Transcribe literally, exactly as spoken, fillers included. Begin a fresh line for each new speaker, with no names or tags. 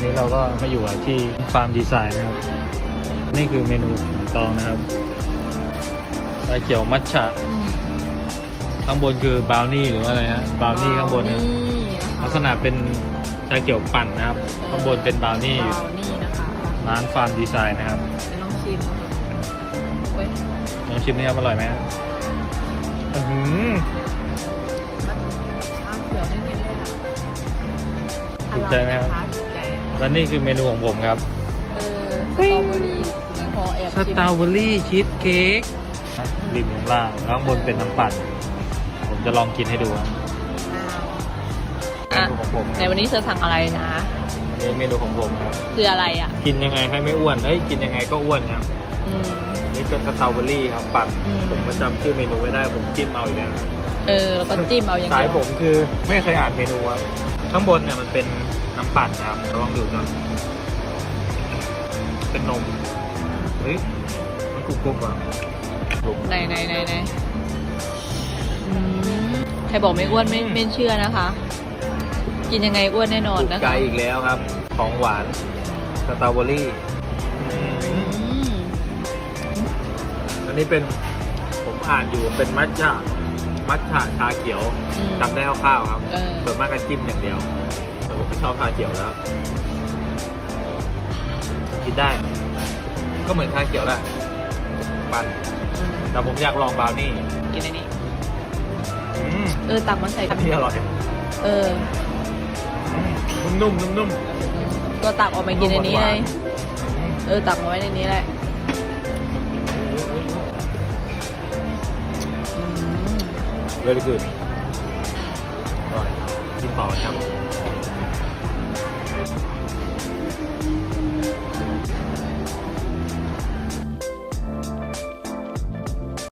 นี้เราก็มาอยู่ที่ฟาร์มดีไซน์นะครับนี่คือเมนูของตองนะครับชาเขียวมัทฉะข้างบนคือบราวนี่หรือว่าอะไรฮะบราวนี่ข้างบนนะลักษณะเป็นชาเขียวปั่นนะครับข้างบนเป็นบราวนี่
บราวนี่นะคะ
ร้านฟาร์มดีไซน์นะครับ
ลองชิมเว้ย
ลองชิมนี่ครับอร่อยไหมครับอื้อหือ
ชาเขียวนิดๆเลยค่ะ
ถูกใจไหมครับ
ออยนะะถูกใจ
และนี่คือเมนูของผมครับ
เออสตรอเบอรี่ยังพอแอบ
ส
ชิม
ตรอเบอรี่ชีสเค้กริมข้างล่างข้างบนเป็นน้ำปั่นผมจะลองกินให้ดูครับเม
อ่ะ
นูของผม
ในวันนี้เธอสั่งอะไรนะ
นี่เมนูของผมครับ
คืออะไรอ่ะ
กินยังไงให้ไม่อ้วนเฮ้ยกินยังไงก็อ้วนครับ
อืม
นี่เป็นสตรอเบอรี่ครับปั่น
อืม
ผมก็จำชื่อเมนูไม่ได้ผมจิ้มเอาอีกแล้ว
เออแล้วก็จิ้มเอาอย่าง
สา
เดี
ย
ยว
ผมคือไม่เคยอ่านเมนูครับข้างบนเนี่ยมันเป็นน้ำปั่นนะครับลองดูก่อนเป็นนมเฮ้ยมันกรุบกรุบอ่ะกรุบ
ไหนไหนไหนไหนอืมใครบอกไม่อ้วนไม่ไม่เชื่อนะคะ กินยังไงอ้วนแน่นอน
ถูก
นะ
ใจ
คะ
อีกแล้วครับ ของหวานสตรอเบอรี่อืม
อืม
อันนี้เป็นผมอ่านอยู่เป็นมัทฉะมัทฉะชาเขียว
อืม
จำได้คร่าวๆครับ
เออ
ส่วนมากก็จิ้มอย่างเดียวแต่ผมไม่ชอบชาเขียวแล้ว กินได้ ก็เหมือนชาเขียวแหละปั่น
อืม
แต่ผมอยากลองบราวนี่
กินอันนี้
อืม
เออตักมาใส่
อันนี้อร่อย
เออ
นุ่มๆนุ่ม
ก็ตักออกมากินอันนี้เลย
ๆ
เออตักมาไว้ในนี้แหละอืม
very good อร่อยกินต่อครับ